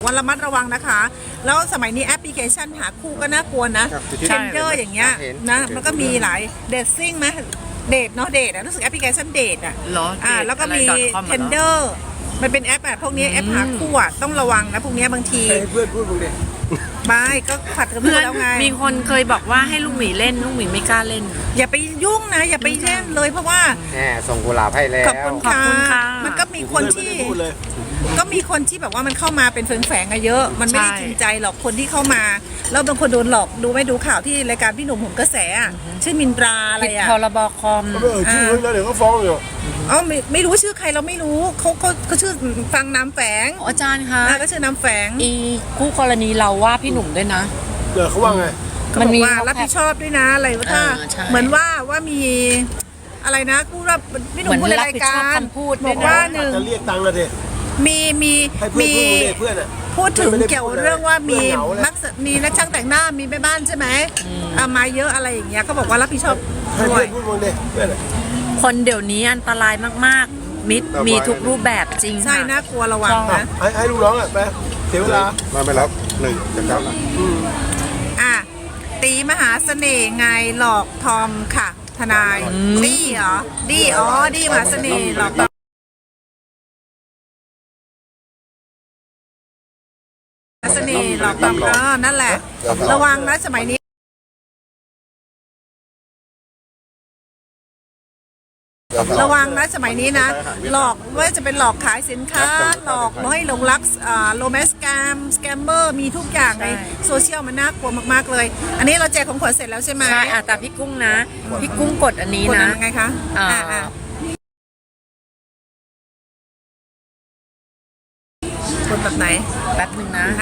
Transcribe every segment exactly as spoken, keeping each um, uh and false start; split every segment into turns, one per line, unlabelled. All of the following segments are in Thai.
วันระมัดระวังนะคะแล้วสมัยนี้แอปพลิเคชันหาคู่ก็น่ากลัวนะเทนเดอร์อย่างเงี้ยนะมันก็มีหลายเดทซิ่งไหมเดทเนาะเดทอะรู้สึกแอปพลิเคชันเดทอะอ่าแล้วก็มีเทนเดอร์มันเป็นแอปแบบพวกนี้แอปหาคู่อะต้องระวังนะพวกนี้บางที
เพื่อนพูดมึงดิ
ไม่ก็ขัดกับเพื่อนแล้วไง
มีคนเคยบอกว่าให้ลูกหมีเล่นลูกหมีไม่กล้าเล่น
อย่าไปยุ่งนะอย่าไปเล่นเลยเพราะว่า
แหมส่งกุหลาบให้แล้ว
ขอบคุณค่ะมันก็มีคนที่ก็มีคนที่แบบว่ามันเข้ามาเป็นแฝงๆอะเยอะมันไม่ได้จริงใจหรอกคนที่เข้ามาแล้วบางคนโดนหลอกดูไม่ดูข่าวที่รายการพี่หนุ่มผมกระแสชื่อมินตราอะไรอะ
พรบคอม
เออชื่อแล้วเดี๋ยวก็ฟ้องอยู่
อ๋อไม่ไม่รู้ชื่อใครเราไม่รู้เขาเขาเขาชื่อฟังน้ำแฝง
อาจารย์คะ
ก็ชื่อน้ำแฝง
อีคู่กรณีเราว่าพี่หนุ่มด้วยนะ
เดี๋ยวเขาว่าไง
มันมีรับผิดชอบด้วยนะอะไรว่าถ้าเหมือนว่าว่ามีอะไรนะพูดว่าพี่หนุ่มพูดในรายการบอกว่าหนึ่ง
จะเรียกตังค์ละดิ
มีมีมีพูดถึงเกี่ยวเรื่องว่ามีนักมีนักช่างแต่งหน้ามีแม่บ้านใช่ไหมเอามาเยอะอะไรอย่างเงี้ยเขาบอกว่ารับผิดชอบด้วย
คนเดี๋ยวนี้อันตรายมากๆมิดมีทุกรูปแบบจริง
ใช่น่ากลัวระวังนะ
ให้ให้ลูกน้องอ่ะไปเสียเวลามาไม่รับหนึ่งจากเก้า
อ่ะตีมหาเสน่ห์ไงหลอกทอมค่ะทนายดีเหรอดีอ๋อดีมหาเสน่ห์หลอกเสน่ห์หลอกทอมเออนั่นแหละระวังนะสมัยนี้ระวังนะสมัยนี้นะหลอกว่าจะเป็นหลอกขายสินค้าหลอกให้หลงรักโรแมนต์สแกมสแกมเมอร์มีทุกอย่างในโซเชียลมันน่ากลัวมากๆเลยอันนี้เราแจกของขวัญเสร็จแล้วใช่ไหม
ใช่แต่พี่กุ้งนะพี่กุ้งกดอันนี้นะ
ไงคะกดแบบไหน
แป๊บหนึ่งนะ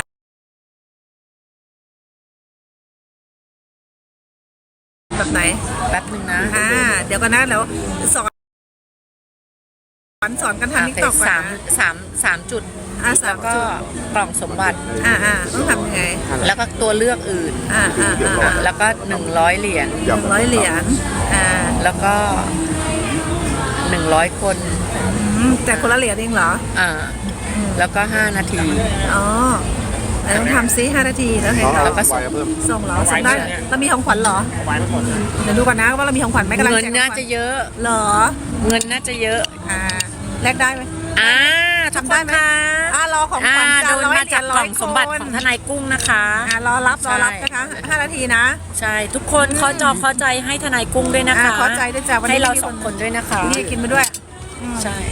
แบบไหน
แป๊บหนึ่งนะ
อ่าเดี๋ยวกันนะแล้วสอนสอนสอนกันทำนิกตอก
สามสามสามจุดแล้วก็กล่องสมบัติ
อ่าอ่าต้องทำยังไง
แล้วก็ตัวเลือกอื่น
อ่าอ่าอ่า
แล้วก็หนึ่งร้อยเหรียญ
หนึ่งร้อยเหรียญอ่า
แล้วก็หนึ่งร้อยคน
แต่คนละเหรียญเองเหรอ
อ่าแล้วก็ห้านาที
อ๋อต้องทำซิห้านาทีแล้วเห็น
แล้วก็
ส่งเหรอส่งได้เรามีของขวัญเหรอเดี๋ยวดูก่อนนะว่าเรามีของขวัญไหมกำลัง
เงินน่าจะเยอะ
เหรอ
เงินน่าจะเยอะ
อ่าแลกได้ไหม
อ่าทำได้ไหม
อ่ารอของขวัญ
โดนมาจากกล่องสมบัติของทนายกุ้งนะคะ
อ่ารอรับรอรับนะคะห้านาทีนะ
ใช่ทุกคนขอจอขอใจให้ทนายกุ้งด้วยนะคะ
ขอใจด้วยจ้ะวันนี้
ให้เราสองคนด้วยนะคะ
นี่กินมาด้วย
ใช่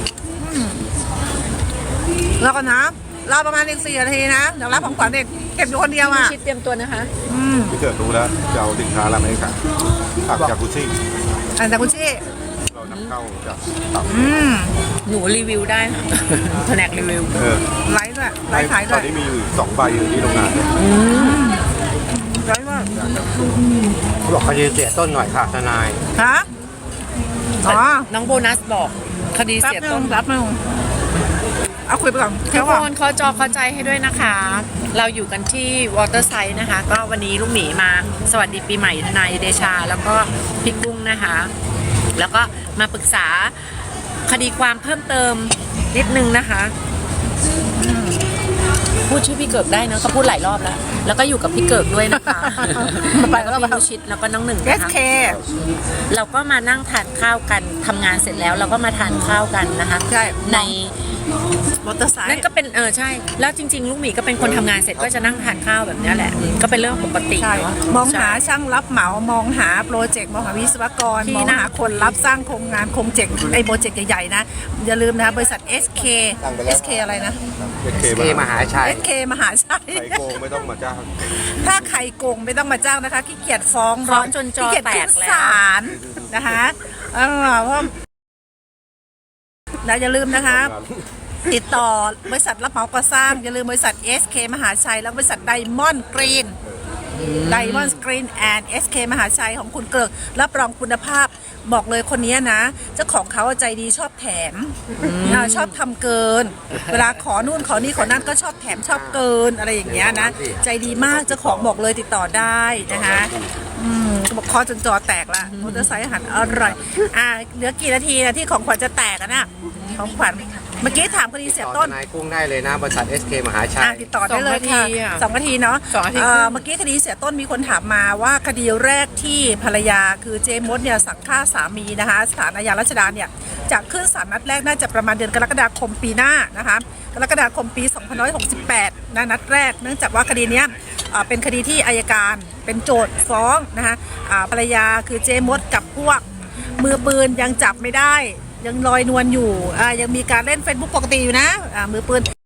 รอก่อนนะรอประมาณอีกสี่นาทีนะเดี๋ยวรับของขวัญเด็กเก็บอยู่คนเดียวอ่ะ
ชิดเตรียมตัวนะคะ
พี่เกิดรู้แล้วจะเอาสินค้าอะไรมาให้ค่ะผักจากกุชี่
อันจากกุชี่
เรานำเข้าจาก
หนูรีวิวได้แผนกรีวิว
ไลฟ์ด้วยไลฟ์ขายด้วย
ตอนนี้มีอยู่สองใบอยู่ที่โรงงาน
ไลฟ์ว่า
บอกคดีเสียต้นหน่อยค่ะทนาย
ฮะอ๋อ
น้องโบนัสบอกคดีเสียต้น
รับมึงเอาคุยไปก่อน
ทุกคนขอจอขอใจให้ด้วยนะคะเราอยู่กันที่วอเตอร์ไซด์นะคะก็วันนี้ลูกหมีมาสวัสดีปีใหม่ทนายเดชาแล้วก็พี่กุ้งนะคะแล้วก็มาปรึกษาคดีความเพิ่มเติมนิดนึงนะคะพูดชื่อพี่เกิดได้นะเขาพูดหลายรอบแล้วแล้วก็อยู่กับพี่เกิดด้วยนะคะไปแล้วก็พี่ชิดแล้วก็น้องหนึ่งนะคะเราก็มานั่งทานข้าวกันทำงานเสร็จแล้วเราก็มาทานข้าวกันนะคะ
ใช่
ใน
มอเตอร์ไซค์
นั่นก็เป็นเออใช่แล้วจริงๆลูกหมีก็เป็นคนทำงานเสร็จก็จะนั่งทานข้าวแบบนี้แหละก็เป็นเรื่องปกติเนาะ
มองหาช่างรับเหมามองหาโปรเจกต์มองหาวิศวกรมองหาคนรับสร้างโครงงานโครงเจกต์ไอโปรเจกต์ใหญ่ๆนะอย่าลืมนะบริษัท เอส เค เอส เค อะไรนะ
เอส เค มหาชัย
เอส เค มหาชัย
ไข่โกงไม่ต้องมาจ้าง
ถ้าไข่โกงไม่ต้องมาจ้างนะคะขี้เกียจฟ้อง
ร้อนจนจอแตกแล้ว
ศาลนะคะเออเพราะอย่าลืมนะคะติดต่อบริษัทรับเหมาก่อสร้างอย่าลืมบริษัท เอส เค มหาชัยแล้วบริษัทไดมอนด์กรีนไดมอนด์กรีนแอนด์ เอส เค มหาชัยของคุณเกิดรับรองคุณภาพบอกเลยคนนี้นะเจ้าของเขาใจดีชอบแถมชอบทำเกินเวลาขอนู่นขอนี่ขอนั่นก็ชอบแถมชอบเกินอะไรอย่างเงี้ยนะใจดีมากเจ้าของบอกเลยติดต่อได้นะคะอืมบอกคอจนจอแตกละมอเตอร์ไซค์อาหารอร่อยอ่ะเหลือกี่นาทีนะที่ของขวัญจะแตกอ่ะนะของขวัญเมื่อกี้ถามคดีเสีย
ต่อ
ต้น
ทนายกุ้งได้เลยนะบริษัท เอส เค มหาชั
อ่ะ
ย
ติดต่อได้เลยค่ะ
สองนาทีอะ
สองนาทีเนาะ
สองนาที
เอ่
ครึ่
อง เมื่อกี้คดีเสียต้นมีคนถามมาว่าคดีแรกที่ภรรยาคือเจมดเนี่ยสั่งฆ่าสามีนะคะศาลอาญารัชดาเนี่ยจะขึ้นศาลนัดแรกน่าจะประมาณเดือนกรกฎาคมปีหน้านะคะกรกฎาคมปีสองพันห้าร้อยหกสิบแปดนะนัดแรกเนื่องจากว่าคดีเนี้ยเอ่อเป็นคดีที่อัยการเป็นโจทย์ฟ้องนะคะอ่าภรรยาคือเจมดกับพวกมือปืนยังจับไม่ได้ยังลอยนวลอยู่อ่ายังมีการเล่น Facebook ปกติอยู่นะอ่ามือปืน